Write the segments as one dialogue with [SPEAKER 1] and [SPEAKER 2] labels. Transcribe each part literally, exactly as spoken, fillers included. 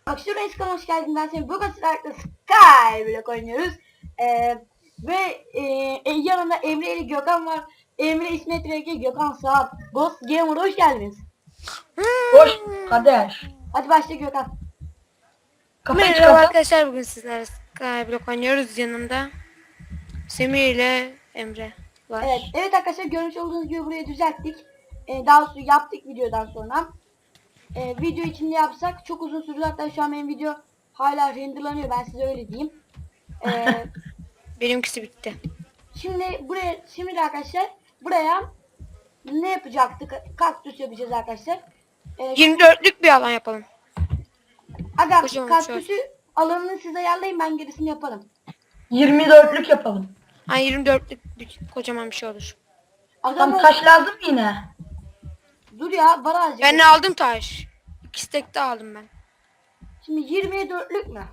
[SPEAKER 1] Akşam Reiskan hoş geldin. Ben seni bugün sizlerle Skyblock oynuyoruz. Ee, ve e, e, yanında Emre ile Gökhan var. Emre İsmet Rege, Gökhan Saat. Ghost Gamer hoş geldiniz.
[SPEAKER 2] Hoş kardeş.
[SPEAKER 1] Hadi başla Gökhan.
[SPEAKER 2] Kafayı
[SPEAKER 3] Merhaba
[SPEAKER 2] çıkarsan.
[SPEAKER 3] arkadaşlar, bugün sizlerle Skyblock oynuyoruz. Yanımda Semih ile Emre var.
[SPEAKER 1] Evet, evet arkadaşlar görmüş olduğunuz gibi burayı düzelttik. Ee, daha sonra yaptık videodan sonra. Ee, video içinde yapsak çok uzun sürdü. Hatta şu an benim video hala renderlanıyor. Ben size öyle diyeyim. Ee,
[SPEAKER 3] Benimkisi bitti.
[SPEAKER 1] Şimdi buraya, şimdi de arkadaşlar buraya ne yapacaktık? Kaktüs yapacağız arkadaşlar. Ee,
[SPEAKER 3] yirmi dörtlük bir alan yapalım.
[SPEAKER 1] Aga
[SPEAKER 3] Kocaman
[SPEAKER 1] kaktüsü alanını siz ayarlayın, ben gerisini yaparım.
[SPEAKER 2] yirmi dörtlük yapalım.
[SPEAKER 3] Hani yirmi dörtlük bir, kocaman bir şey olur.
[SPEAKER 1] Aga
[SPEAKER 2] Tam
[SPEAKER 1] bu-
[SPEAKER 2] taş lazım yine.
[SPEAKER 1] dur ya, var azıcık.
[SPEAKER 3] Ben ne aldım taş. İki stek de aldım ben.
[SPEAKER 1] Şimdi yirmiye dörtlük mü?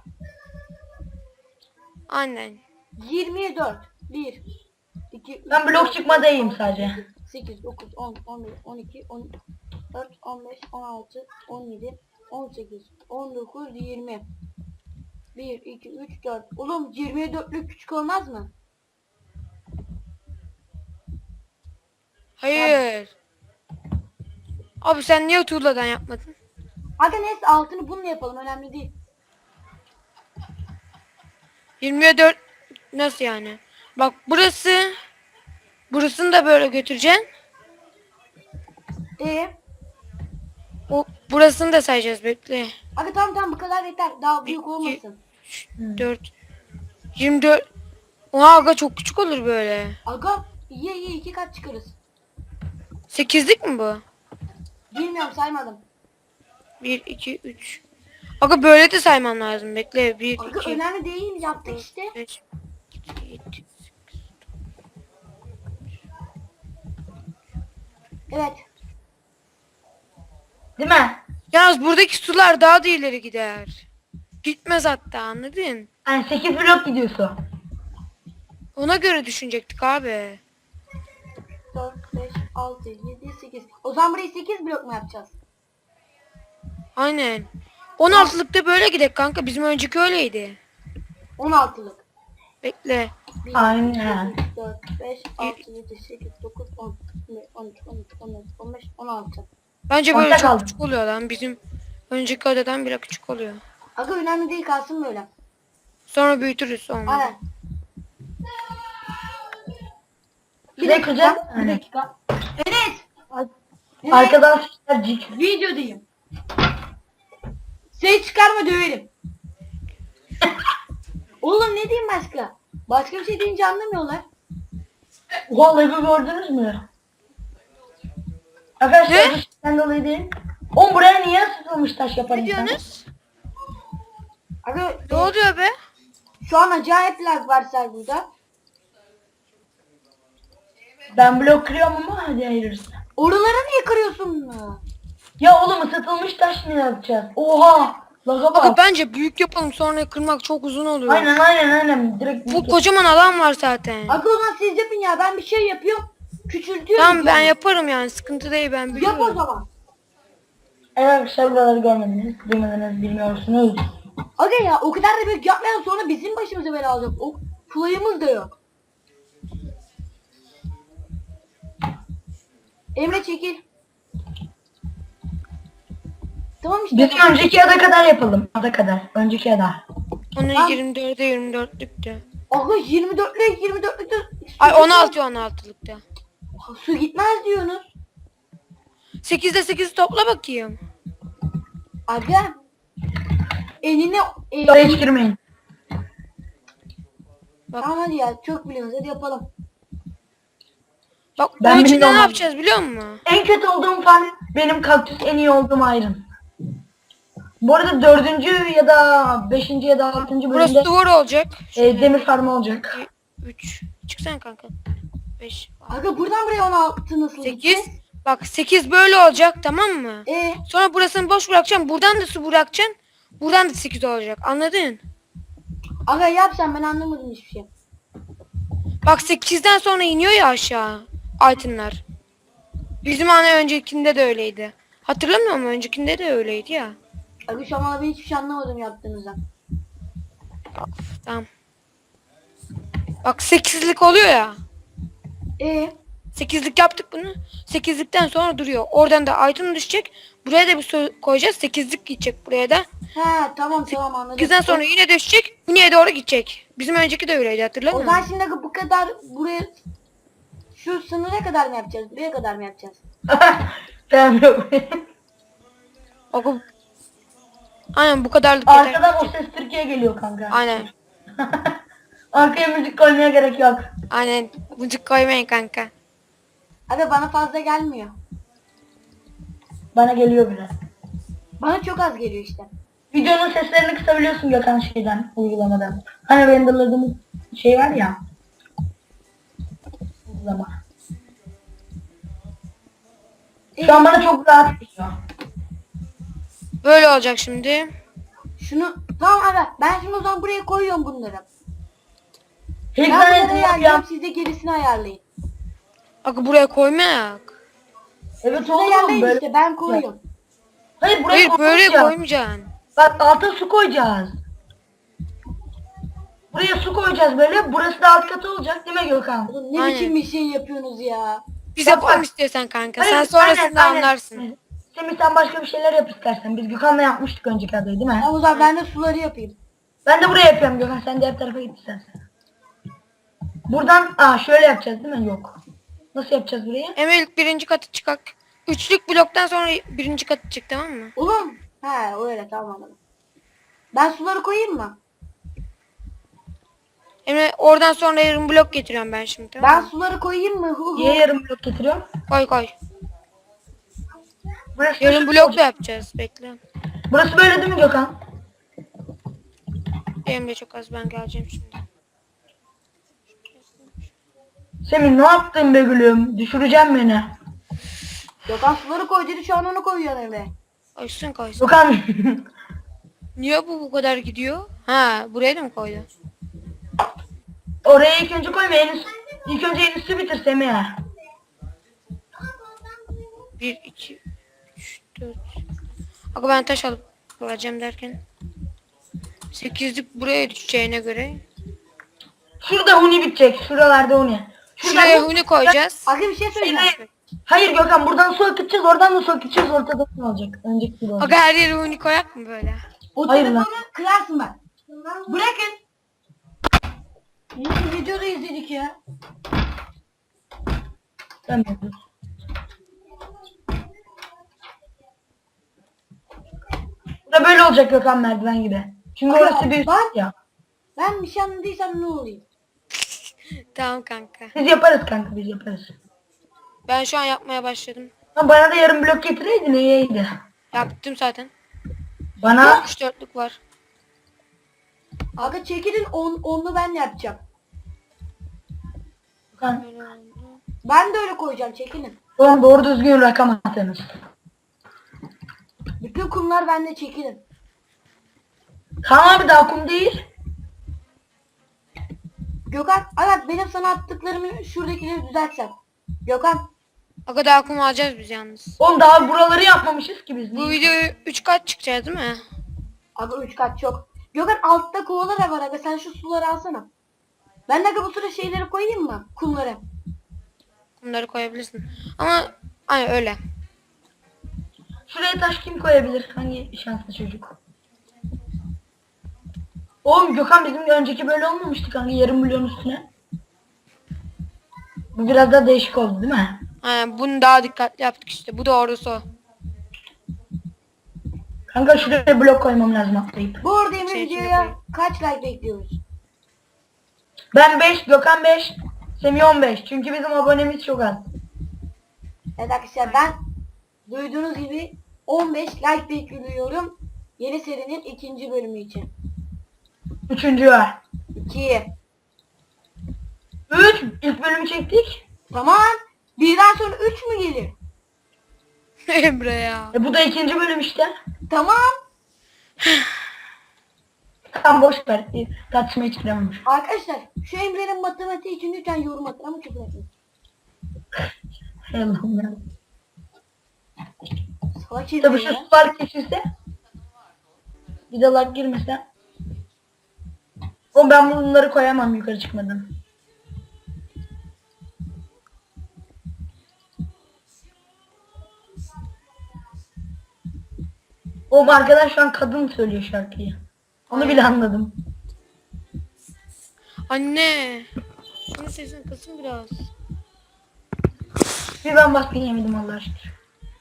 [SPEAKER 3] Aynen.
[SPEAKER 1] yirmiye dört. bir iki üç
[SPEAKER 2] Ben blok çıkmadayım sadece.
[SPEAKER 1] sekiz, dokuz, on, on bir, on iki, on dört, on beş, on altı, on yedi, on sekiz, on dokuz, yirmi. bir iki üç dört. Oğlum yirmiye dörtlük küçük olmaz mı?
[SPEAKER 3] Hayır. Abi sen niye tuğladan yapmadın?
[SPEAKER 1] Aga neyse, altını bununla yapalım, önemli değil.
[SPEAKER 3] yirmiye dört nasıl yani? Bak burası. Burasını da böyle götüreceksin.
[SPEAKER 1] Ee,
[SPEAKER 3] O burasını da sayacağız, bekle.
[SPEAKER 1] aga tamam tamam, bu kadar yeter. Daha büyük
[SPEAKER 3] İki-
[SPEAKER 1] olmasın.
[SPEAKER 3] dört yirmi dört. Oha aga, çok küçük olur böyle.
[SPEAKER 1] Aga iyi iyi, iki kat çıkarız.
[SPEAKER 3] sekizlik mi bu?
[SPEAKER 1] Bilmiyorum, saymadım.
[SPEAKER 3] bir iki üç. Aga böyle de sayman lazım. Bekle. bir
[SPEAKER 1] Aga
[SPEAKER 3] iki
[SPEAKER 1] önemli değil, yaptık işte.
[SPEAKER 3] beş yedi.
[SPEAKER 1] Evet.
[SPEAKER 2] Değil mi?
[SPEAKER 3] Yalnız buradaki sular daha da ileri gider. Gitmez hatta, anladın?
[SPEAKER 2] Yani sekiz blok gidiyorsun.
[SPEAKER 3] Ona göre düşünecektik abi.
[SPEAKER 1] dört, beş, altı, yedi, sekiz. O zaman burayı sekiz blok mu yapacağız?
[SPEAKER 3] Aynen. on altılıkta böyle gidek kanka. Bizim önceki öyleydi.
[SPEAKER 1] on altılık.
[SPEAKER 3] Bekle.
[SPEAKER 1] bir,
[SPEAKER 2] Aynen.
[SPEAKER 1] iki, üç, dört, beş, altı, yedi, sekiz, dokuz, on, on üç, on dört, on beş, on beş, on altı.
[SPEAKER 3] Bence böyle
[SPEAKER 2] Orta
[SPEAKER 3] çok
[SPEAKER 2] kaldı.
[SPEAKER 3] küçük oluyor lan. Bizim önceki odadan bile küçük oluyor.
[SPEAKER 1] Aga önemli değil, kalsın böyle.
[SPEAKER 3] Sonra büyütürüz olmadı.
[SPEAKER 1] Aynen. Bir
[SPEAKER 2] Şurayı kıracağım.
[SPEAKER 1] dakika, bir
[SPEAKER 2] Aynen.
[SPEAKER 1] dakika. Enes! Enes!
[SPEAKER 2] Arkadaşlar cik.
[SPEAKER 1] Videodayım. Ses çıkarma, döverim. Oğlum ne diyeyim başka? Başka bir şey deyince anlamıyorlar.
[SPEAKER 2] Oha lagı gördünüz mü? Arkadaşlar
[SPEAKER 3] Ne?
[SPEAKER 2] bu şeyden dolayı değil. Oğlum buraya niye sıkılmış taş yapan
[SPEAKER 3] Ne
[SPEAKER 2] insan?
[SPEAKER 3] diyorsunuz?
[SPEAKER 1] Aga
[SPEAKER 3] Ne oluyor be?
[SPEAKER 1] şu an acayip lag var serverda.
[SPEAKER 2] Ben blok kırıyorum ama hadi hayırlısı.
[SPEAKER 1] Oralara niye kırıyorsun bunu?
[SPEAKER 2] Ya oğlum ısıtılmış taş ne yapacağız? Oha! Laga
[SPEAKER 3] Aga
[SPEAKER 2] bak.
[SPEAKER 3] bence büyük yapalım, sonra kırmak çok uzun oluyor.
[SPEAKER 2] Aynen aynen aynen. Direkt
[SPEAKER 3] Bu
[SPEAKER 2] büyük yap-
[SPEAKER 3] kocaman alan var zaten.
[SPEAKER 1] Aga o zaman siz yapın ya, ben bir şey yapıyorum. Küçültüyorum.
[SPEAKER 3] Tamam, ben
[SPEAKER 1] yani.
[SPEAKER 3] yaparım yani, sıkıntı değil, ben
[SPEAKER 1] Yap o
[SPEAKER 3] biliyorum.
[SPEAKER 1] zaman.
[SPEAKER 2] Evet arkadaşlar buraları görmediniz, duymadınız, bilmiyorsunuz.
[SPEAKER 1] Aga ya o kadar da büyük yapmayalım, sonra bizim başımıza bela olacak. O fly'ımız da yok. Emre çekil. Tamam işte.
[SPEAKER 2] Biz önceki ada kadar yapalım. Ada kadar. Önceki ada.
[SPEAKER 3] Onun
[SPEAKER 1] Tamam.
[SPEAKER 3] yirmi dörde yirmi dörtlüktü.
[SPEAKER 1] Aga yirmi dörtlük yirmi dörtlükte
[SPEAKER 3] Ay on altı on altılıkta.
[SPEAKER 1] su gitmez diyorsunuz.
[SPEAKER 3] sekizde sekiz topla bakayım.
[SPEAKER 1] Aga eline e,
[SPEAKER 2] Oraya hiç girmeyin.
[SPEAKER 3] Bak.
[SPEAKER 1] tamam hadi ya, çok biliyorsunuz, hadi yapalım.
[SPEAKER 3] Bak
[SPEAKER 2] Ben
[SPEAKER 3] onun içinde
[SPEAKER 2] bilmiyorum.
[SPEAKER 3] ne yapacağız biliyor musun?
[SPEAKER 2] En kötü olduğum fan benim kaktüs, en iyi olduğum Iron. Bu arada dördüncü ya da beşinci ya da altıncı
[SPEAKER 3] Burası
[SPEAKER 2] bölümde
[SPEAKER 3] duvar olacak.
[SPEAKER 2] e, demir farmı olacak.
[SPEAKER 3] üç. Çıksana kanka. beş.
[SPEAKER 1] Aga buradan buraya on altı nasıl
[SPEAKER 3] sekiz.
[SPEAKER 1] gideceğiz?
[SPEAKER 3] Bak sekiz böyle olacak, tamam mı?
[SPEAKER 1] E
[SPEAKER 3] Sonra burasını boş bırakacaksın. Buradan da su bırakacaksın. Buradan da sekiz olacak. Anladın?
[SPEAKER 1] aga yap sen, ben anlamadım hiçbir şey.
[SPEAKER 3] Bak sekizden sonra iniyor ya aşağı altınlar. Bizim hani öncekinde de öyleydi. Hatırlamıyor musun? Öncekinde de öyleydi ya.
[SPEAKER 1] Abi şu an ben hiçbir şey anlamadım yaptığınızdan.
[SPEAKER 3] Tamam. Bak sekizlik oluyor ya.
[SPEAKER 1] Ee,
[SPEAKER 3] Sekizlik yaptık bunu. Sekizlikten sonra duruyor. Oradan da item düşecek. Buraya da bir su koyacağız. Sekizlik gidecek buraya da.
[SPEAKER 1] he tamam tamam anladım.
[SPEAKER 3] Sekizden sonra yine düşecek. Yine doğru gidecek. Bizim önceki de öyleydi, hatırlar
[SPEAKER 1] O
[SPEAKER 3] mısın?
[SPEAKER 1] zaman şimdi bu kadar buraya şu sınıra kadar mı yapacağız? Buraya kadar mı yapacağız?
[SPEAKER 2] Tamam yok.
[SPEAKER 3] Oku. Aynen bu kadarlık yeter.
[SPEAKER 2] Arkadan o ses Türkiye geliyor kanka.
[SPEAKER 3] Aynen.
[SPEAKER 2] Arkaya müzik koymaya gerek yok.
[SPEAKER 3] Aynen. Bucuk koymayın kanka.
[SPEAKER 1] Abi bana fazla gelmiyor.
[SPEAKER 2] Bana geliyor biraz.
[SPEAKER 1] Bana çok az geliyor işte.
[SPEAKER 2] Videonun seslerini kısabiliyorsun Gökhan şeyden, uygulamadan. Hani renderladığımız şey var ya. Uygulama. Şu an bana çok rahat geliyor.
[SPEAKER 3] Böyle olacak şimdi.
[SPEAKER 1] Şunu tamam abi ben şimdi o zaman buraya koyuyorum bunları.
[SPEAKER 2] İlk
[SPEAKER 1] Ben bunları
[SPEAKER 2] tanesini
[SPEAKER 1] ayarlayacağım,
[SPEAKER 2] yapıyorum.
[SPEAKER 1] siz de gerisini ayarlayın.
[SPEAKER 3] Bak buraya koymayak.
[SPEAKER 2] Evet
[SPEAKER 1] Siz
[SPEAKER 2] oğlum
[SPEAKER 1] ayarlayın
[SPEAKER 2] böyle.
[SPEAKER 1] işte ben koyuyorum.
[SPEAKER 2] Hayır buraya
[SPEAKER 3] Hayır böyle
[SPEAKER 2] koymayacağız.
[SPEAKER 3] koymayacaksın.
[SPEAKER 2] Bak alta su koyacağız. Buraya su koyacağız böyle. Burası da alt katı olacak değil mi Gökhan?
[SPEAKER 1] Oğlum ne
[SPEAKER 3] Aynen.
[SPEAKER 1] biçim bir şey yapıyorsunuz ya.
[SPEAKER 3] Biz
[SPEAKER 2] Bak,
[SPEAKER 3] yapalım
[SPEAKER 2] bak.
[SPEAKER 3] istiyorsan kanka.
[SPEAKER 2] Hayır,
[SPEAKER 3] Sen sonrasında
[SPEAKER 2] aynen, aynen.
[SPEAKER 3] anlarsın.
[SPEAKER 2] Semih sen başka bir şeyler yap istersen. Biz Gökhan'la yapmıştık önceki adayı değil mi?
[SPEAKER 1] Tamam o zaman ben de suları yapayım.
[SPEAKER 2] Ben de buraya yapıyorum Gökhan. Sen diğer tarafa git istersen. Buradan aa şöyle yapacağız değil mi? Yok. Nasıl yapacağız burayı?
[SPEAKER 3] Emre ilk birinci katı çıkak. Üçlük bloktan sonra birinci katı çık, tamam mı?
[SPEAKER 1] Oğlum. He öyle tamam anladım. Ben suları koyayım mı?
[SPEAKER 3] Emre oradan sonra yarım blok getiriyorum ben şimdi, tamam
[SPEAKER 1] Ben
[SPEAKER 3] mı?
[SPEAKER 1] suları koyayım mı? Hu hu.
[SPEAKER 2] Niye yarım blok getiriyorum?
[SPEAKER 3] Koy koy.
[SPEAKER 2] Burası da
[SPEAKER 3] Yarım
[SPEAKER 2] şu-
[SPEAKER 3] blok da yapacağız, bekle.
[SPEAKER 2] Burası böyle değil mi Gökhan?
[SPEAKER 3] Emre çok az, ben geleceğim şimdi.
[SPEAKER 2] Semih ne yaptın be gülüm? Düşüreceğim beni.
[SPEAKER 1] Gökhan suları koy dedi şu an onu koyuyor Emre.
[SPEAKER 3] Koysun koysun.
[SPEAKER 2] Gökhan.
[SPEAKER 3] Niye bu bu kadar gidiyor? Ha, buraya da mı koydu?
[SPEAKER 2] Oraya ilk önce koyma. En üst, ilk önce en üstü bitir Semih.
[SPEAKER 3] Bir, iki, üç, dört. Aga ben taş alıp koyacağım derken. Sekizlik buraya düşeceğine göre.
[SPEAKER 2] Şurada huni bitecek. Şuralarda huni.
[SPEAKER 3] Şuraya huni koyacağız.
[SPEAKER 1] Aga bir şey söyleyeceğim.
[SPEAKER 2] Hayır, hayır Gökhan buradan su akıtacağız. Oradan da su akıtacağız. Ortada ne olacak? Önceki gibi olacak.
[SPEAKER 3] Aga her yere huni koyak mı böyle?
[SPEAKER 1] O
[SPEAKER 2] Hayır
[SPEAKER 1] telefonu
[SPEAKER 2] lan.
[SPEAKER 1] kırarsın bak. Bırakın. Nasıl videoda izledik ya?
[SPEAKER 2] Tamam. Burada böyle olacak Gökhan merdiven gibi. Çünkü
[SPEAKER 1] Aga,
[SPEAKER 2] orası bir üst
[SPEAKER 1] bak.
[SPEAKER 2] ya.
[SPEAKER 1] Ben bir şey anladıysam ne olayım?
[SPEAKER 3] Tamam kanka.
[SPEAKER 2] Biz yaparız kanka biz yaparız.
[SPEAKER 3] Ben şu an yapmaya başladım.
[SPEAKER 2] Ha, bana da yarım blok getireydin iyiydi.
[SPEAKER 3] Yaptım zaten.
[SPEAKER 2] Bana
[SPEAKER 3] Üç dörtlük var.
[SPEAKER 1] Aga çekilin on, onlu ben yapacağım.
[SPEAKER 2] Gökhan,
[SPEAKER 3] Böyle oldu.
[SPEAKER 1] Ben de öyle koyacağım çekilin.
[SPEAKER 2] oğlum doğru düzgün rakam atınız.
[SPEAKER 1] Bütün kumlar bende çekilin.
[SPEAKER 2] Kaan abi daha kum değil.
[SPEAKER 1] Gökhan, evet benim sana attıklarımı şuradakileri düzeltsem. Gökhan,
[SPEAKER 3] Aga daha kum alacağız biz yalnız.
[SPEAKER 2] Oğlum daha buraları yapmamışız ki biz.
[SPEAKER 3] Bu videoyu üç kat çıkacağız değil mi?
[SPEAKER 1] aga üç kat çok. Gökhan altta kovalar da var aga sen şu suları alsana. Ben de aga bu sıra şeyleri koyayım mı? Kumları.
[SPEAKER 3] Kumları koyabilirsin. Ama hani öyle.
[SPEAKER 2] Şuraya taş kim koyabilir? Hangi şanslı çocuk? Oğlum Gökhan bizim önceki böyle olmamıştı kanka yarım milyon üstüne. Bu biraz daha değişik oldu değil mi?
[SPEAKER 3] Yani bunu daha dikkatli yaptık işte. Bu doğrusu o.
[SPEAKER 2] Kanka şuraya blok koymam lazım atlayıp.
[SPEAKER 1] Bu arada Emre
[SPEAKER 3] Şey içine
[SPEAKER 1] videoya
[SPEAKER 3] koyayım.
[SPEAKER 1] kaç like bekliyoruz?
[SPEAKER 2] Ben beş, Gökhan beş, Semih on beş. Çünkü bizim abonemiz çok az.
[SPEAKER 1] Evet arkadaşlar ben duyduğunuz gibi on beş like bekliyorum. Yeni serinin ikinci bölümü için.
[SPEAKER 2] Üçüncü var.
[SPEAKER 1] iki.
[SPEAKER 2] Üç, ilk bölümü çektik.
[SPEAKER 1] Tamam. Birden sonra üç mü gelir?
[SPEAKER 3] Emre ya.
[SPEAKER 2] E bu da ikinci bölüm işte.
[SPEAKER 1] Tamam.
[SPEAKER 2] Tam boş ver. e, Tartışmaya çıkamamış.
[SPEAKER 1] Arkadaşlar şu Emre'nin matematiği için lütfen yorum atın ama küfür etmeyin.
[SPEAKER 2] Hay Allah'ım ya.
[SPEAKER 1] Salak
[SPEAKER 2] Tabii
[SPEAKER 1] Emre
[SPEAKER 2] şu
[SPEAKER 1] ya.
[SPEAKER 2] sular kesilse. Bir de lag girmese. O ben bunları koyamam yukarı çıkmadan. O arkadaş şu an kadın söylüyor şarkıyı. Onu bile anladım.
[SPEAKER 3] Anne. Senin sesin kısın biraz.
[SPEAKER 2] Bir ben baskın yemedim Allah aşkına.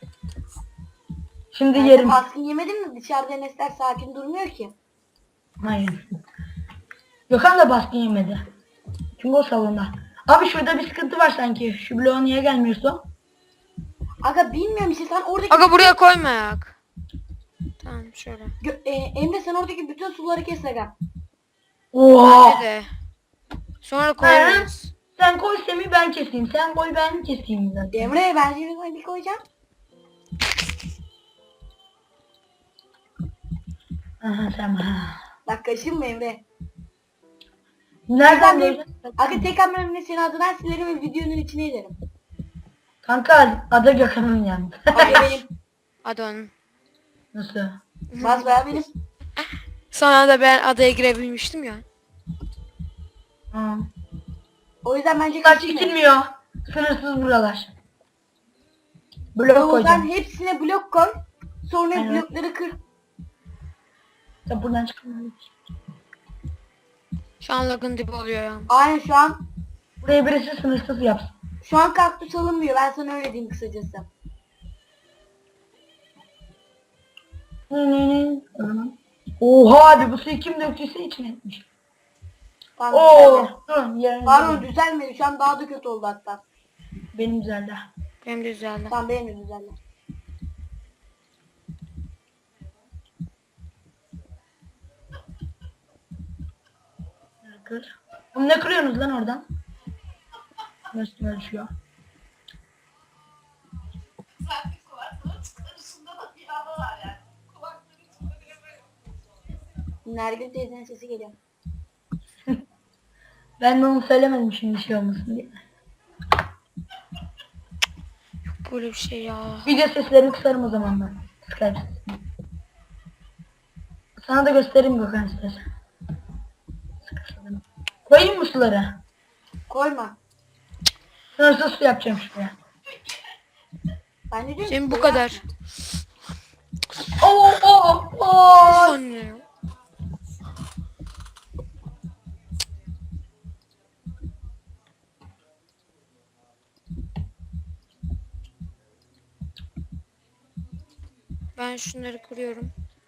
[SPEAKER 2] Şimdi
[SPEAKER 1] Ben
[SPEAKER 2] yerim.
[SPEAKER 1] de baskın yemedin mi? Dışarıda Enesler sakin durmuyor ki.
[SPEAKER 2] Hayır. Gökhan da baskın yemedi. Çünkü o salonda. Abi şurada bir sıkıntı var sanki. Şu bloğa niye gelmiyorsun?
[SPEAKER 1] Aga bilmiyorum işte sen oradaki...
[SPEAKER 3] Aga buraya koymayak. Tamam şöyle.
[SPEAKER 1] Gö- e, Emre sen oradaki bütün suları kes aga.
[SPEAKER 2] Oha!
[SPEAKER 3] Bence de. Sonra koyarız.
[SPEAKER 2] Sen koy Semih ben keseyim. Sen koy ben keseyim zaten.
[SPEAKER 1] Emre ben şimdi bir koyacağım.
[SPEAKER 2] Aha sen ha.
[SPEAKER 1] Bak kaşınma Emre.
[SPEAKER 2] Nereden
[SPEAKER 1] Aga,
[SPEAKER 2] gördün?
[SPEAKER 1] aga tek hamlemle senin adından silerim ve videonun içine ederim.
[SPEAKER 2] Kanka adı Gökhan'ın yandı.
[SPEAKER 1] Aga benim.
[SPEAKER 3] Hadi onun.
[SPEAKER 2] Nasıl?
[SPEAKER 1] Bas be benim.
[SPEAKER 3] Sonra da ben adaya girebilmiştim ya.
[SPEAKER 2] Ha.
[SPEAKER 1] O yüzden bence
[SPEAKER 2] Kaç
[SPEAKER 1] kaşınma.
[SPEAKER 2] çekilmiyor. Sınırsız buralar. Blok
[SPEAKER 1] O yüzden
[SPEAKER 2] koyacağım.
[SPEAKER 1] hepsine blok koy. Sonra
[SPEAKER 2] Aynen.
[SPEAKER 1] blokları kır.
[SPEAKER 2] Ya buradan çıkamıyorum.
[SPEAKER 3] Şu an lagın dibi oluyor ya.
[SPEAKER 1] Aynen şu an.
[SPEAKER 2] Buraya birisi sınırsız yapsın.
[SPEAKER 1] Şu an kaktüs alınmıyor. Ben sana öyle diyeyim kısacası.
[SPEAKER 2] Oha abi bu suyu kim döktüyse içine etmiş.
[SPEAKER 1] Tamam,
[SPEAKER 2] Oo,
[SPEAKER 1] düzeldi.
[SPEAKER 2] dur yerine.
[SPEAKER 1] Pardon düzelmedi. Şu an daha da kötü oldu hatta.
[SPEAKER 2] Benim güzeldi.
[SPEAKER 3] Benim de güzeldi.
[SPEAKER 1] Tamam benim de düzeldi.
[SPEAKER 2] Kır. Oğlum ne kırıyorsunuz lan oradan? Üstüme düşüyor.
[SPEAKER 1] Nergül teyzenin sesi geliyor.
[SPEAKER 2] Ben de onu söylemedim şimdi şey olmasın diye.
[SPEAKER 3] Böyle bir şey ya.
[SPEAKER 2] Video seslerini kısarım o zaman ben. Skype sesini. Sana da göstereyim Gökhan istersen. Sıkıştırdım. Koyayım mı suları?
[SPEAKER 1] Koyma.
[SPEAKER 2] Sınırsız su yapacağım şuraya.
[SPEAKER 1] Ben de diyorum
[SPEAKER 3] Senin
[SPEAKER 1] ki
[SPEAKER 3] bu
[SPEAKER 1] koyma.
[SPEAKER 3] kadar.
[SPEAKER 2] Oo oo oo.
[SPEAKER 3] Anne. Ben şunları kırıyorum.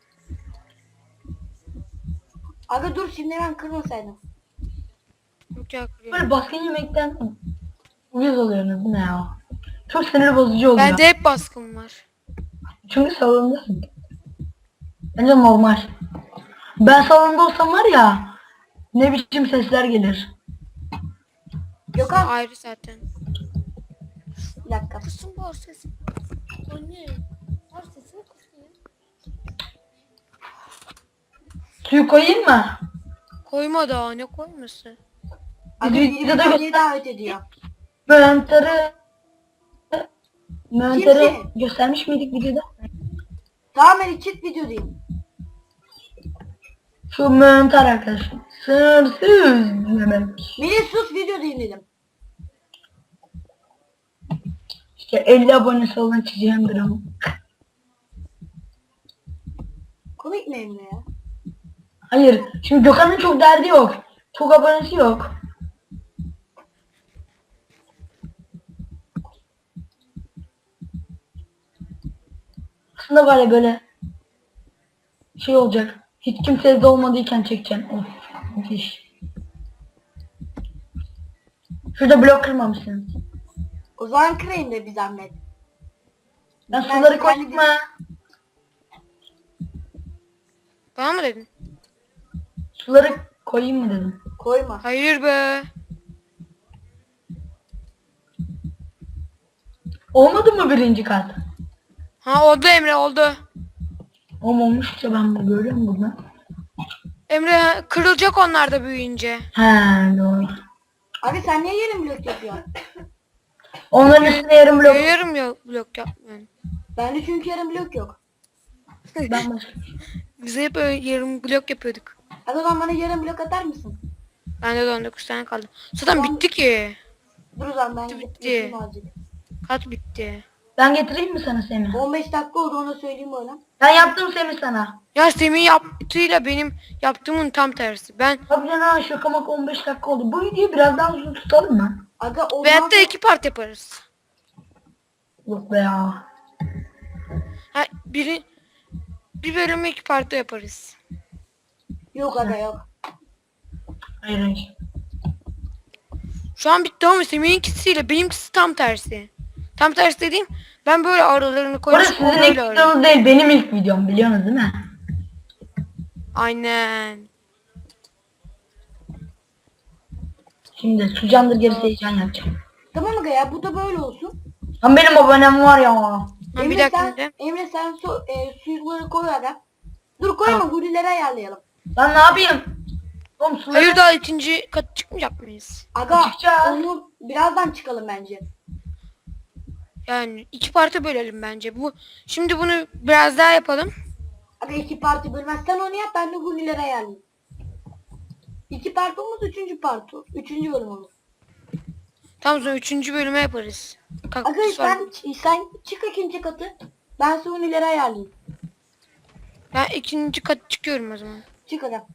[SPEAKER 1] Aga dur şimdi ben kırmasaydım.
[SPEAKER 3] Yok ya kırıyorum.
[SPEAKER 2] Böyle baskın yemekten uyuz oluyorsunuz bu ne ya? Çok sinir bozucu oluyor.
[SPEAKER 3] Bende hep baskın var.
[SPEAKER 2] Çünkü salondasın. Bence normal. Ben salonda olsam var ya ne biçim sesler gelir.
[SPEAKER 1] Gökhan.
[SPEAKER 3] Ayrı zaten.
[SPEAKER 1] Bir dakika.
[SPEAKER 3] Kısım var sesim. Anne. Var sesim kısıyor.
[SPEAKER 2] Suyu koyayım mı?
[SPEAKER 3] Koyma daha ne koyması?
[SPEAKER 1] Aga
[SPEAKER 2] Video-
[SPEAKER 1] biri
[SPEAKER 2] videoda
[SPEAKER 1] beni
[SPEAKER 2] göster.
[SPEAKER 1] davet ediyor.
[SPEAKER 2] Mönter'i Mönter'i
[SPEAKER 1] Kimsin?
[SPEAKER 2] göstermiş miydik videoda?
[SPEAKER 1] Tamam beni çık video diyeyim.
[SPEAKER 2] Şu Mönter arkadaşım. Sınırsız demek.
[SPEAKER 1] Beni sus video diyeyim dedim.
[SPEAKER 2] İşte elli abonesi olan çizeceğim dram.
[SPEAKER 1] Komik mi Emre ya?
[SPEAKER 2] Hayır. Şimdi Gökhan'ın çok derdi yok. Çok abonesi yok. Aslında var ya böyle şey olacak. Hiç kimse evde olmadıyken çekeceğim. Of. Müthiş. Şurada blok kırmamışsınız.
[SPEAKER 1] O zaman kırayım da bir zahmet.
[SPEAKER 2] Ben
[SPEAKER 1] Ben
[SPEAKER 2] suları
[SPEAKER 1] şimdi
[SPEAKER 2] koydum
[SPEAKER 1] kendi-
[SPEAKER 2] mu?
[SPEAKER 3] Bana mı dedin?
[SPEAKER 2] Suları koyayım mı dedim.
[SPEAKER 1] Koyma.
[SPEAKER 3] Hayır be.
[SPEAKER 2] Olmadı mı birinci kat?
[SPEAKER 3] Ha oldu Emre oldu.
[SPEAKER 2] Olmamışça ben bunu görüyorum burada.
[SPEAKER 3] Emre kırılacak onlar da büyüyünce.
[SPEAKER 2] He doğru.
[SPEAKER 1] Abi sen niye yerin blok yapıyorsun?
[SPEAKER 2] Onların üstüne yarım blok.
[SPEAKER 3] Yarım ya blok yapmıyorum.
[SPEAKER 1] Bende çünkü yarım blok yok.
[SPEAKER 2] Ben başka.
[SPEAKER 3] Biz hep öyle yarım blok yapıyorduk.
[SPEAKER 1] Hadi o zaman bana yarım blok atar mısın?
[SPEAKER 3] Bende de on dokuz tane kaldı. Zaten
[SPEAKER 1] Tamam.
[SPEAKER 3] bitti ki.
[SPEAKER 1] Dur o zaman ben
[SPEAKER 3] Bitti, bitti.
[SPEAKER 1] getireyim azıcık.
[SPEAKER 3] Kat bitti.
[SPEAKER 2] Ben getireyim mi sana Semih?
[SPEAKER 1] on beş dakika oldu ona söyleyeyim böyle.
[SPEAKER 2] Ben yaptım Semih sana.
[SPEAKER 3] Ya Semih yaptığıyla benim yaptığımın tam tersi. Ben
[SPEAKER 2] Abi canım şaka maka on beş dakika oldu. Bu videoyu biraz daha uzun tutalım mı?
[SPEAKER 1] Aga o
[SPEAKER 3] veyahut da
[SPEAKER 1] zaman
[SPEAKER 3] iki part yaparız.
[SPEAKER 2] Yok be ya.
[SPEAKER 3] Ha, biri bir bölümü iki partta yaparız.
[SPEAKER 1] yok aga yok.
[SPEAKER 2] Hayır hayır.
[SPEAKER 3] Şu an bitti ama Semih'inkisiyle benimkisi tam tersi. Tam tersi dediğim ben böyle aralarını
[SPEAKER 2] Orası
[SPEAKER 3] koymuş
[SPEAKER 2] sizin
[SPEAKER 3] o
[SPEAKER 2] ilk
[SPEAKER 3] böyle arıyor.
[SPEAKER 2] videonuz değil. Benim ilk videom biliyorsunuz değil mi?
[SPEAKER 3] Aynen.
[SPEAKER 2] Şimdi sucandır gerisi heyecan yapacağım.
[SPEAKER 1] Tamam aga ya bu da böyle olsun.
[SPEAKER 2] Lan benim abonem var ya.
[SPEAKER 3] Ha, bir
[SPEAKER 1] Emre
[SPEAKER 3] dakika
[SPEAKER 1] sen,
[SPEAKER 3] de.
[SPEAKER 1] Emre sen su, e, suları koy aga. Dur koyma
[SPEAKER 2] Tamam.
[SPEAKER 1] hurileri ayarlayalım.
[SPEAKER 2] Lan ne yapayım? Oğlum suları...
[SPEAKER 3] Hayır daha ikinci kat çıkmayacak mıyız?
[SPEAKER 1] Aga
[SPEAKER 2] Çıkacağız.
[SPEAKER 1] onu birazdan çıkalım bence.
[SPEAKER 3] Yani iki parta bölelim bence. Bu şimdi bunu biraz daha yapalım.
[SPEAKER 1] Aga iki parti bölmez. Sen onu yap ben de hurileri ayarlayayım. İki part olmaz üçüncü part olur. Üçüncü bölüm olur.
[SPEAKER 3] Tam sonra üçüncü bölüme yaparız.
[SPEAKER 1] Aga
[SPEAKER 3] Kaktüs var.
[SPEAKER 1] sen, sen çık ikinci katı. Ben size hurileri ayarlayayım.
[SPEAKER 3] Ben ikinci kat çıkıyorum o zaman.
[SPEAKER 1] Çık aga.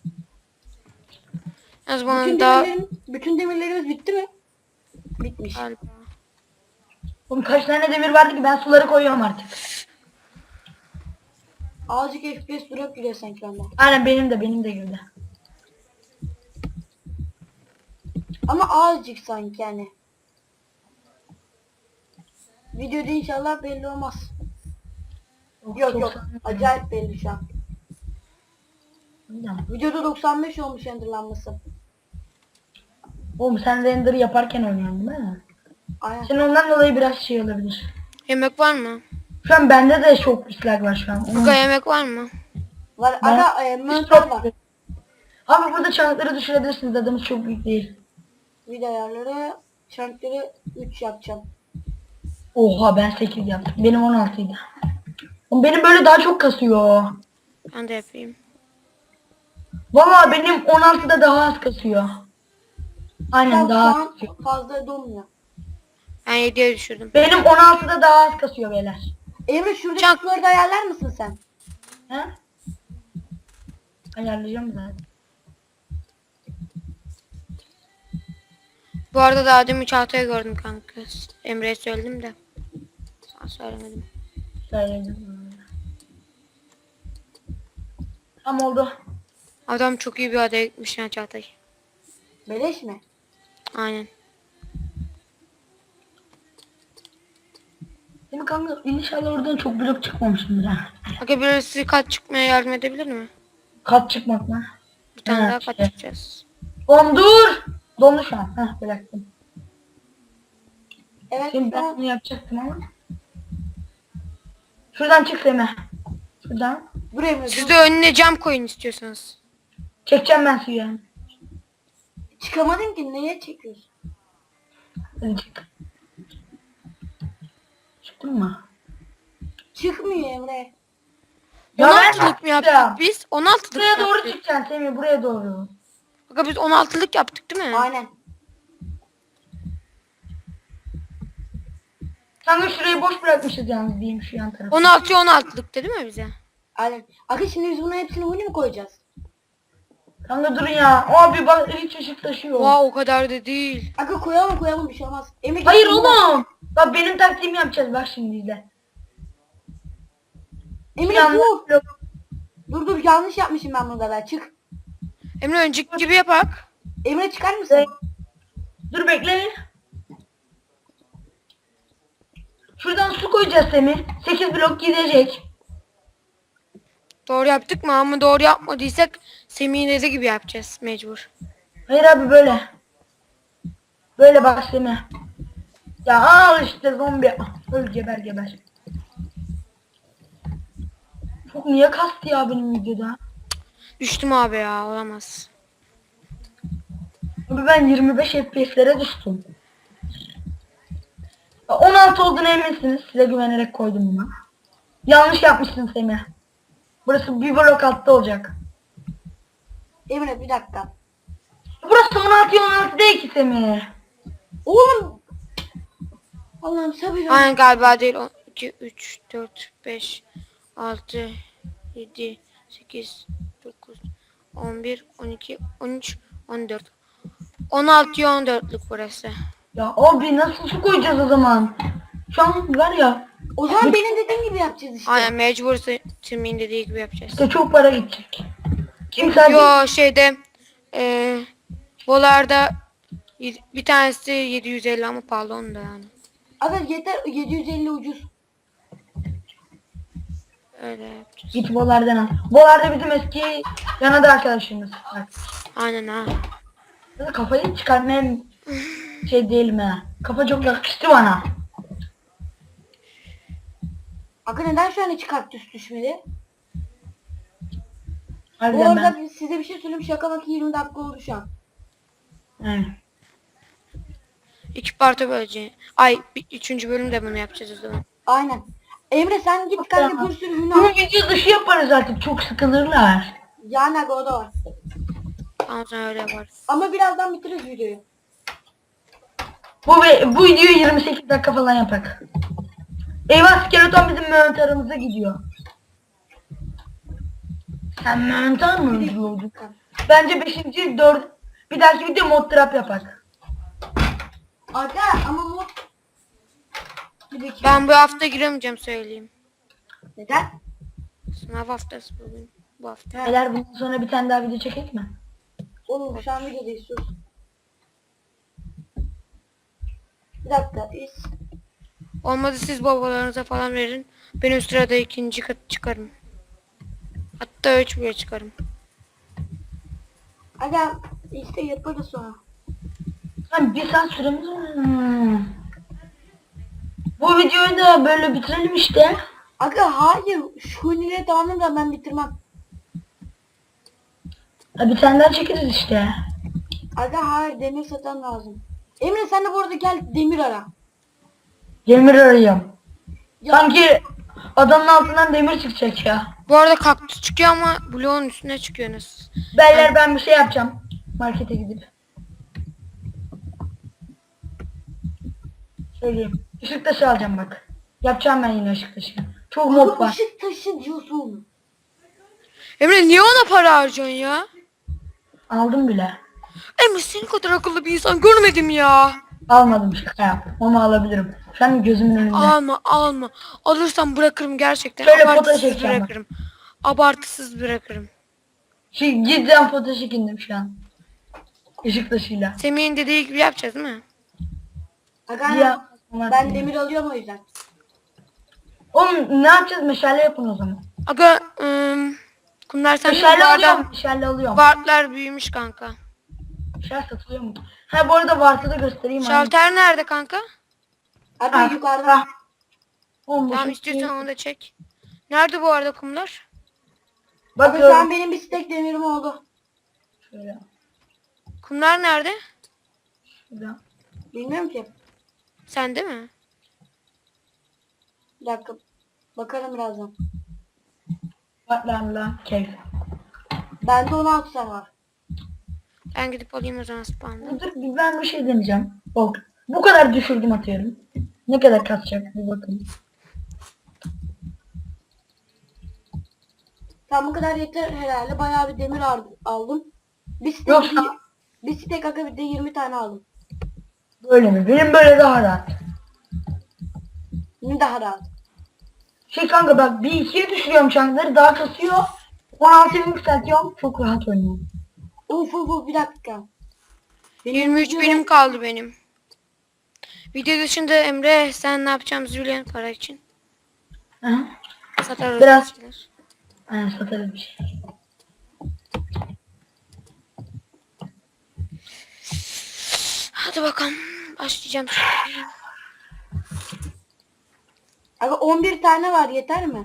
[SPEAKER 3] O
[SPEAKER 1] Bütün
[SPEAKER 3] zaman daha
[SPEAKER 1] demirlerimiz, bütün demirlerimiz bitti mi? Bitmiş.
[SPEAKER 3] galiba.
[SPEAKER 2] Oğlum kaç tane demir vardı ki ben suları koyuyorum artık.
[SPEAKER 1] Azıcık F P S drop giriyor sanki bende.
[SPEAKER 2] Aynen benim de benim de girdi.
[SPEAKER 1] Ama azıcık sanki yani. Videoda inşallah belli olmaz. Yok yok. Acayip belli şu an. Videoda doksan beş olmuş renderlanması.
[SPEAKER 2] Oğlum sen render yaparken oynuyorsun değil mi?
[SPEAKER 1] Aynen.
[SPEAKER 2] Senin ondan dolayı biraz şey olabilir.
[SPEAKER 3] Yemek var mı?
[SPEAKER 2] Şu an bende de çok dislike var şu an. Onun-
[SPEAKER 3] Aga yemek var mı?
[SPEAKER 1] Var.
[SPEAKER 2] Ben-
[SPEAKER 1] Aga e, mantar var.
[SPEAKER 2] Abi burada çankları düşürebilirsiniz, adımız çok büyük değil.
[SPEAKER 1] Video ayarları. Çankları üç yapacağım.
[SPEAKER 2] Oha ben sekiz yaptım. Benim on altıydı. Oğlum benim böyle daha çok kasıyor.
[SPEAKER 3] Ben de yapayım.
[SPEAKER 2] Valla benim on altıda daha az kasıyor. Aynen
[SPEAKER 1] Tam şu
[SPEAKER 2] daha az
[SPEAKER 1] an
[SPEAKER 2] kasıyor.
[SPEAKER 1] fazla donmuyor.
[SPEAKER 3] Ben yediye düşürdüm.
[SPEAKER 2] Benim on altıda daha az kasıyor beyler.
[SPEAKER 1] Emre şuradaki
[SPEAKER 3] Çank-
[SPEAKER 1] suları da ayarlar mısın sen?
[SPEAKER 2] He? Ayarlayacağım zaten.
[SPEAKER 3] Bu arada daha demin Çağatay'ı gördüm kanka. Emre'ye söyledim de. Sana söylemedim.
[SPEAKER 2] Söyledim. Tam oldu.
[SPEAKER 3] Adam çok iyi bir adaya gitmiş ya Çağatay.
[SPEAKER 1] Beleş mi?
[SPEAKER 3] Aynen.
[SPEAKER 2] Değil mi kanka? İnşallah oradan çok blok çıkmamışımdır ha.
[SPEAKER 3] Aga birisi kat çıkmaya yardım edebilir mi?
[SPEAKER 2] Kat çıkmak mı?
[SPEAKER 3] Bir tane
[SPEAKER 2] Ha,
[SPEAKER 3] daha kat
[SPEAKER 2] şey.
[SPEAKER 3] çıkacağız.
[SPEAKER 2] Oğlum dur! Dondu şu an. Heh bıraktım.
[SPEAKER 1] Evet
[SPEAKER 2] Şimdi
[SPEAKER 1] şu
[SPEAKER 2] ben
[SPEAKER 1] an
[SPEAKER 2] bunu yapacaktım ama. Şuradan çık Semih. Şuradan.
[SPEAKER 1] dur Emre
[SPEAKER 3] Siz
[SPEAKER 1] dur.
[SPEAKER 3] de önüne cam koyun istiyorsanız.
[SPEAKER 2] Çekeceğim ben suyu yani.
[SPEAKER 1] Çıkamadım ki neye çekiyorsun?
[SPEAKER 2] Hadi çık. Çıktın mı?
[SPEAKER 1] Çıkmıyor Emre.
[SPEAKER 2] Ya
[SPEAKER 3] on
[SPEAKER 2] ben
[SPEAKER 3] altılık mı
[SPEAKER 2] yaptım.
[SPEAKER 3] yaptık biz? on altılık
[SPEAKER 2] Buraya
[SPEAKER 3] mı
[SPEAKER 2] doğru
[SPEAKER 3] yaptık?
[SPEAKER 2] çıkacaksın Semih, buraya doğru.
[SPEAKER 3] Aga biz on altılık yaptık değil mi?
[SPEAKER 1] Aynen.
[SPEAKER 2] Kanka şurayı boş bırakmışız yalnız diyeyim şu yan tarafı.
[SPEAKER 3] on altıya on altılık değil mi bize?
[SPEAKER 1] Aynen. Aga şimdi biz bunun hepsini huni mi koyacağız?
[SPEAKER 2] Kanka durun ya. Abi bak hiç ışık taşıyor.
[SPEAKER 3] Oha o kadar da değil.
[SPEAKER 1] Aga koyalım koyalım bir şey olmaz. Emre
[SPEAKER 2] Hayır
[SPEAKER 1] git-
[SPEAKER 2] oğlum. Bak benim taktiğimi yapacağız bak şimdi izle.
[SPEAKER 1] Emre
[SPEAKER 2] Yanlış
[SPEAKER 1] dur.
[SPEAKER 2] yok.
[SPEAKER 1] Dur dur yanlış yapmışım ben burada ben çık.
[SPEAKER 3] Emre önceki gibi yapak.
[SPEAKER 1] Emre çıkar mısın?
[SPEAKER 2] Evet. Dur bekle. Şuradan su koyacağız Semih. sekiz blok gidecek.
[SPEAKER 3] Doğru yaptık mı ama doğru yapmadıysak Semih'in dediği gibi yapacağız mecbur.
[SPEAKER 2] Hayır abi böyle. Böyle bak Semih. Ya al işte zombi. Öl geber geber. Çok niye kastı ya benim videoda?
[SPEAKER 3] Düştüm abi ya olamaz.
[SPEAKER 2] Abi ben yirmi beş F P S'lere düştüm. Ya on altı olduğuna eminsiniz. Size güvenerek koydum bunu. Yanlış yapmışsın Semih. Burası bir blok altta olacak.
[SPEAKER 1] Emre bir dakika.
[SPEAKER 2] Burası on altı on altı değil ki Semih.
[SPEAKER 1] Oğlum. Allah'ım sabır.
[SPEAKER 3] Aynen galiba değil. on iki, üç, dört, beş, altı, yedi, sekiz, dokuz, on bir, on iki, on üç, on dört. on altıya on dörtlük burası.
[SPEAKER 2] Ya abi nasıl su koyacağız o zaman? Şu an var ya
[SPEAKER 1] O zaman benim dediğim gibi yapacağız işte.
[SPEAKER 3] Aynen mecbur Semih'in dediği gibi yapacağız.
[SPEAKER 2] işte çok para gidecek. Kim sadece
[SPEAKER 3] Yo şeyde eee Volar'da y- bir tanesi yedi yüz elli ama pahalı onu da yani.
[SPEAKER 1] Aga yeter yedi yüz elli ucuz.
[SPEAKER 3] Öyle yapacağız.
[SPEAKER 2] git Bolar'dan al. Bolar'da bizim eski yanada arkadaşımız var.
[SPEAKER 3] Aynen ha.
[SPEAKER 2] Ya da kafayı çıkarmaya şey değilim ha. Kafa çok yakıştı bana.
[SPEAKER 1] Aga neden şu an hiç kaktüs düşmedi? Bu
[SPEAKER 2] Harbiden
[SPEAKER 1] arada
[SPEAKER 2] ben.
[SPEAKER 1] size bir şey söyleyeyim, şaka bak yirmi dakika oldu şu an.
[SPEAKER 2] Evet.
[SPEAKER 3] İki parça böleceğiz. Ay bir, üçüncü bölümde bunu yapacağız o zaman.
[SPEAKER 1] Aynen. Emre sen git kanka bir sürü hüner.
[SPEAKER 2] Bunu video dışı yaparız artık, çok sıkılırlar.
[SPEAKER 1] Yani aga o da var.
[SPEAKER 3] Tamam sen öyle yaparız.
[SPEAKER 1] Ama birazdan bitiririz videoyu.
[SPEAKER 2] Bu ve bu videoyu yirmi sekiz dakika falan yapak. Eyvah, skeleton bizim Mehmet aramıza gidiyor. Sen Mehmet mı öldürüyordun? Bence beşinci dört bir dahaki video mod trap yapak.
[SPEAKER 1] Aga ama mod... Bir dakika.
[SPEAKER 3] Ben bu hafta giremeyeceğim söyleyeyim.
[SPEAKER 1] Neden?
[SPEAKER 3] Sınav haftası bugün. Bu hafta.
[SPEAKER 1] Ha,
[SPEAKER 2] Beyler bundan sonra bir tane daha video çekek mi?
[SPEAKER 1] oğlum şu an videodayız sus. Bir dakika biz...
[SPEAKER 3] Olmadı siz babalarınıza falan verin. Ben o sırada ikinci kat çıkarım. Hatta üç bile çıkarım.
[SPEAKER 1] Aga işte yaparız sonra.
[SPEAKER 2] Hani bir saat süremiz var. Hmm. Bu videoyu da böyle bitirelim işte.
[SPEAKER 1] Aga hayır şu hünere tamamını da ben bitirmem.
[SPEAKER 2] Ha, bir tane daha çekeriz işte.
[SPEAKER 1] Aga hayır demir satan lazım. Emre sen de bu arada gel demir ara.
[SPEAKER 2] Demir arıyorum.
[SPEAKER 1] Ya,
[SPEAKER 2] Sanki adamın altından demir çıkacak ya.
[SPEAKER 3] Bu arada kaktüs çıkıyor ama bloğun üstüne çıkıyor nasıl?
[SPEAKER 2] Beyler ben bir şey yapacağım. Markete gidip. Söyleyeyim. Işık taşı alacağım bak. Yapacağım ben yine ışık taşı. Çok mod
[SPEAKER 1] Aga
[SPEAKER 2] var.
[SPEAKER 1] ışık taşı diyorsun.
[SPEAKER 3] Emre niye ona para harcıyorsun ya?
[SPEAKER 2] Aldım bile.
[SPEAKER 3] Emre senin kadar akıllı bir insan görmedim ya.
[SPEAKER 2] Almadım, şaka yaptım ama alabilirim. Şu an gözümün önünde.
[SPEAKER 3] Alma alma. Alırsam bırakırım gerçekten.
[SPEAKER 2] Şöyle foto
[SPEAKER 3] Abartısız
[SPEAKER 2] çekeceğim bak.
[SPEAKER 3] bırakırım. Abartısız bırakırım.
[SPEAKER 2] Şey, cidden foto çekindim şu an. Işık taşıyla.
[SPEAKER 3] Semih'in dediği gibi yapacağız değil mi?
[SPEAKER 1] Aga
[SPEAKER 2] Ya,
[SPEAKER 1] ben demir alıyorum o yüzden.
[SPEAKER 2] Oğlum ne yapacağız? Meşale yapın o zaman.
[SPEAKER 3] Aga ım, kumlar sen
[SPEAKER 2] Meşale
[SPEAKER 3] bu
[SPEAKER 2] alıyorum.
[SPEAKER 3] arada
[SPEAKER 2] Meşale alıyorum.
[SPEAKER 3] Vartlar büyümüş kanka.
[SPEAKER 2] Meşale satılıyor mu? Ha bu arada varsa da göstereyim.
[SPEAKER 3] Şalter nerede kanka?
[SPEAKER 1] Aga
[SPEAKER 2] Ha,
[SPEAKER 1] yukarıda.
[SPEAKER 2] ha. Oğlum,
[SPEAKER 3] Tamam
[SPEAKER 2] bu
[SPEAKER 3] istiyorsan
[SPEAKER 2] şey-
[SPEAKER 3] onu da çek. Nerede bu arada kumlar?
[SPEAKER 1] Aga
[SPEAKER 2] Bakıyorum.
[SPEAKER 1] şu an benim bir stek demirim oldu.
[SPEAKER 2] Şöyle.
[SPEAKER 3] Kumlar nerede?
[SPEAKER 2] Şurada.
[SPEAKER 1] Bilmiyorum ki.
[SPEAKER 3] Sende mi?
[SPEAKER 1] Bir dakika. Bakarım birazdan.
[SPEAKER 2] Vatlarla keyif.
[SPEAKER 1] Bende on altı tane var.
[SPEAKER 3] Ben gidip alayım o zaman spawn'da.
[SPEAKER 2] Dur ben bir şey deneyeceğim. Bak. Bu kadar düşürdüm atıyorum. Ne kadar kasacak bir bakın.
[SPEAKER 1] Tamam bu kadar yeter herhalde. Bayağı bir demir ar- aldım. Bir stek,
[SPEAKER 2] Yoksa-
[SPEAKER 1] bir stek aga bir de yirmi tane aldım.
[SPEAKER 2] Böyle mi? Benim böyle daha rahat.
[SPEAKER 1] Şimdi daha rahat.
[SPEAKER 2] Şey kanka bak bir ikiye düşürüyorum çankları daha kasıyor. on altıya yükseltiyorum. Çok rahat oynuyorum.
[SPEAKER 1] Uf uf uf bir dakika.
[SPEAKER 3] yirmi üç
[SPEAKER 1] videoda-
[SPEAKER 3] benim kaldı benim. Video dışında Emre sen ne yapacağımızı biliyorsun para için.
[SPEAKER 2] Hı.
[SPEAKER 3] Satarız.
[SPEAKER 2] Biraz-
[SPEAKER 3] bir şeyler.
[SPEAKER 2] Aynen satarız bir şey.
[SPEAKER 3] Hadi bakalım. Başlayacağım şimdi.
[SPEAKER 1] Aga on bir tane var yeter mi?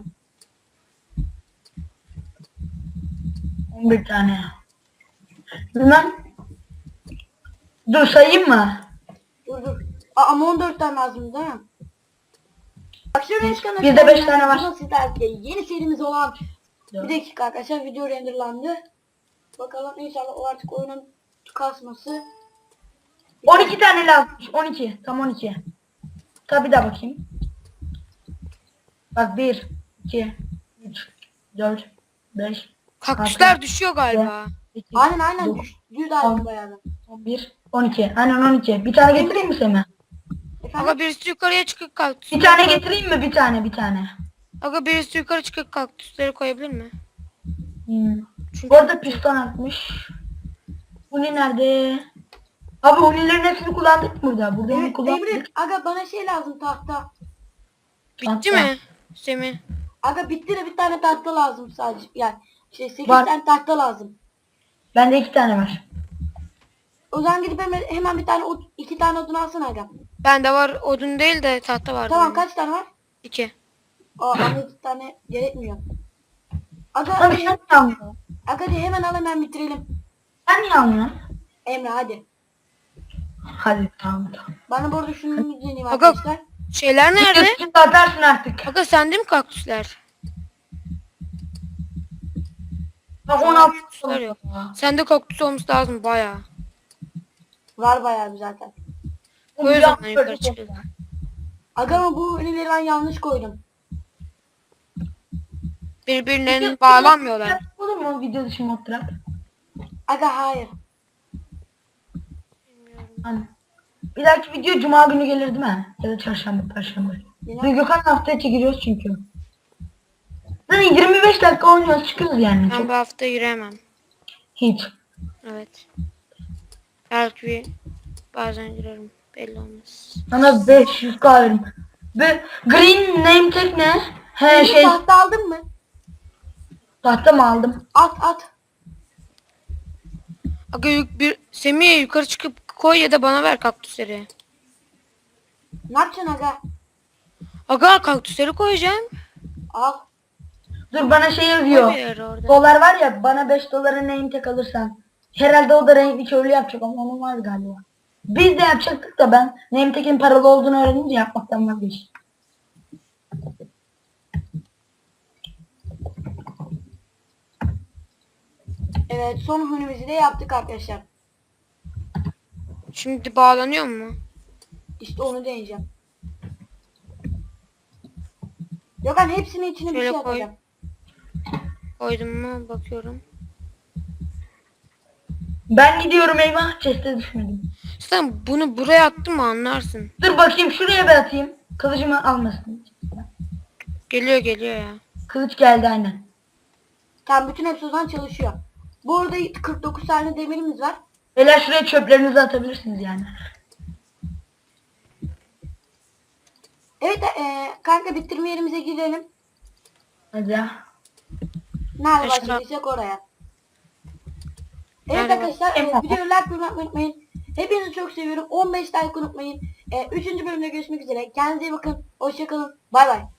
[SPEAKER 2] on bir tane. Bilmem. Dur sayayım mı?
[SPEAKER 1] Dur dur. Aa, ama on dört tane lazım değil mi? Bak şuraya çıkan
[SPEAKER 2] Bizde beş tane var.
[SPEAKER 1] Sizler yeni serimiz olan Bir dakika arkadaşlar, video renderlandı. Bakalım inşallah o artık oyunun kasması.
[SPEAKER 2] on iki tane lazımmış. on iki. Tam on iki. Tabi de bakayım. Bak bir, iki, üç, dört, beş,
[SPEAKER 3] Kaktüsler düşüyor galiba.
[SPEAKER 2] sekiz,
[SPEAKER 1] Aynen aynen
[SPEAKER 2] dokuz,
[SPEAKER 1] düş, düz ayrıldı bayağı da.
[SPEAKER 2] on bir, on iki. Aynen on iki. Bir tane getireyim mi Semih?
[SPEAKER 1] Efendim?
[SPEAKER 3] Aga birisi yukarıya çıkıp kaktüs.
[SPEAKER 2] Bir tane getireyim mi? Bir tane, bir tane.
[SPEAKER 3] Aga birisi yukarı çıkıp kaktüsleri koyabilir mi?
[SPEAKER 2] Hmm.
[SPEAKER 3] Çünkü
[SPEAKER 2] Bu arada piston atmış. Uni nerede? Abi unilerin hepsini kullandık burada. Burada onu
[SPEAKER 1] Evet,
[SPEAKER 2] kullandık.
[SPEAKER 1] Emre, aga bana şey lazım, tahta.
[SPEAKER 3] bitti
[SPEAKER 2] Hatta-
[SPEAKER 3] mi? Semih.
[SPEAKER 1] Aga bitti de bir tane tahta lazım sadece. Yani şey sekiz
[SPEAKER 2] Var.
[SPEAKER 1] tane tahta lazım.
[SPEAKER 2] Bende iki tane var.
[SPEAKER 1] O zaman gidip hemen, hemen bir tane ot- iki tane odun alsana aga.
[SPEAKER 3] Bende var odun değil de tahta var.
[SPEAKER 1] Tamam, kaç tane var?
[SPEAKER 3] İki.
[SPEAKER 1] Aa, ama iki tane gerekmiyor. Aga,
[SPEAKER 2] Abi sen niye almıyorsun?
[SPEAKER 1] aga de hemen al, hemen bitirelim.
[SPEAKER 2] Sen niye almıyorsun?
[SPEAKER 1] Emre hadi.
[SPEAKER 2] Hadi tamam tamam.
[SPEAKER 1] Bana bu arada şunu deneyeyim
[SPEAKER 3] Aga-
[SPEAKER 1] arkadaşlar.
[SPEAKER 3] Şeyler nerede?
[SPEAKER 2] Videosunu da atarsın artık.
[SPEAKER 3] Aga sende mi kaktüsler?
[SPEAKER 2] Bak on altı
[SPEAKER 3] Kaktüsler yok. Sende kaktüs olması lazım bayağı.
[SPEAKER 1] Var bayağı bir zaten.
[SPEAKER 3] O yüzden yukarı çıkıyor.
[SPEAKER 1] Aga ama bu ünlüleri ben yanlış koydum.
[SPEAKER 3] Birbirlerine bağlanmıyorlar.
[SPEAKER 2] Olur mu video dışı mod trap?
[SPEAKER 1] Aga hayır.
[SPEAKER 2] Hani. Bir dahaki video cuma günü gelir değil mi? Ya da çarşamba, perşembe.
[SPEAKER 1] Yine-
[SPEAKER 2] Biz Gökhan'la haftaya çekiliyoruz çünkü. Zaten yirmi beş dakika oynuyoruz, çıkıyoruz yani.
[SPEAKER 3] Ben
[SPEAKER 2] Çok
[SPEAKER 3] bu hafta yürüyemem.
[SPEAKER 2] hiç.
[SPEAKER 3] Evet. Belki bir bazen girerim. Belli olmaz.
[SPEAKER 2] Sana beş yüz k veririm. Ve green name tag ne? He
[SPEAKER 1] Emre,
[SPEAKER 2] şey,
[SPEAKER 1] tahta aldın mı?
[SPEAKER 2] tahta mı aldım?
[SPEAKER 1] At at.
[SPEAKER 3] Aga yuk- bir Semih'e yukarı çıkıp koy ya da bana ver kaktüsleri.
[SPEAKER 1] Ne yapacaksın aga?
[SPEAKER 3] Aga kaktüsleri koyacağım.
[SPEAKER 1] Al.
[SPEAKER 2] Dur bana şey
[SPEAKER 3] Koy
[SPEAKER 2] yazıyor.
[SPEAKER 3] bir yere orada.
[SPEAKER 2] Dolar var ya, bana beş dolara name tag alırsan. Herhalde o da renkli köylü yapacak ama onun var galiba. Biz de yapacaktık da ben name tag'in paralı olduğunu öğrenince yapmaktan vazgeçtim.
[SPEAKER 1] Evet, son hunimizi de yaptık arkadaşlar.
[SPEAKER 3] Şimdi bağlanıyor mu?
[SPEAKER 1] İşte onu deneyeceğim. Yok ben hepsinin içine bir
[SPEAKER 3] Şöyle
[SPEAKER 1] şey
[SPEAKER 3] koy.
[SPEAKER 1] atacağım.
[SPEAKER 3] Koydum mu bakıyorum.
[SPEAKER 2] Ben gidiyorum, eyvah chest'e düşmedim.
[SPEAKER 3] Sen bunu buraya attın mı anlarsın.
[SPEAKER 2] Dur bakayım, şuraya bir atayım. Kılıcımı almasın.
[SPEAKER 3] Geliyor geliyor ya.
[SPEAKER 2] Kılıç geldi aynen.
[SPEAKER 1] Tamam, bütün hepsi o zaman çalışıyor. Bu arada kırk dokuz tane demirimiz var.
[SPEAKER 2] Beyler şuraya çöplerinizi atabilirsiniz yani.
[SPEAKER 1] Evet e, kanka bitirme yerimize girelim.
[SPEAKER 2] Hadi ya.
[SPEAKER 1] Nerede
[SPEAKER 3] Teşekkür-
[SPEAKER 1] başladıysak oraya. Evet
[SPEAKER 3] Nerede
[SPEAKER 1] arkadaşlar, e,
[SPEAKER 2] Emre.
[SPEAKER 1] videoyu like bölümü unutmayın. Hepinizi çok seviyorum. on beş like unutmayın. E, üçüncü bölümde görüşmek üzere. Kendinize iyi bakın. Hoşçakalın. Bay bay.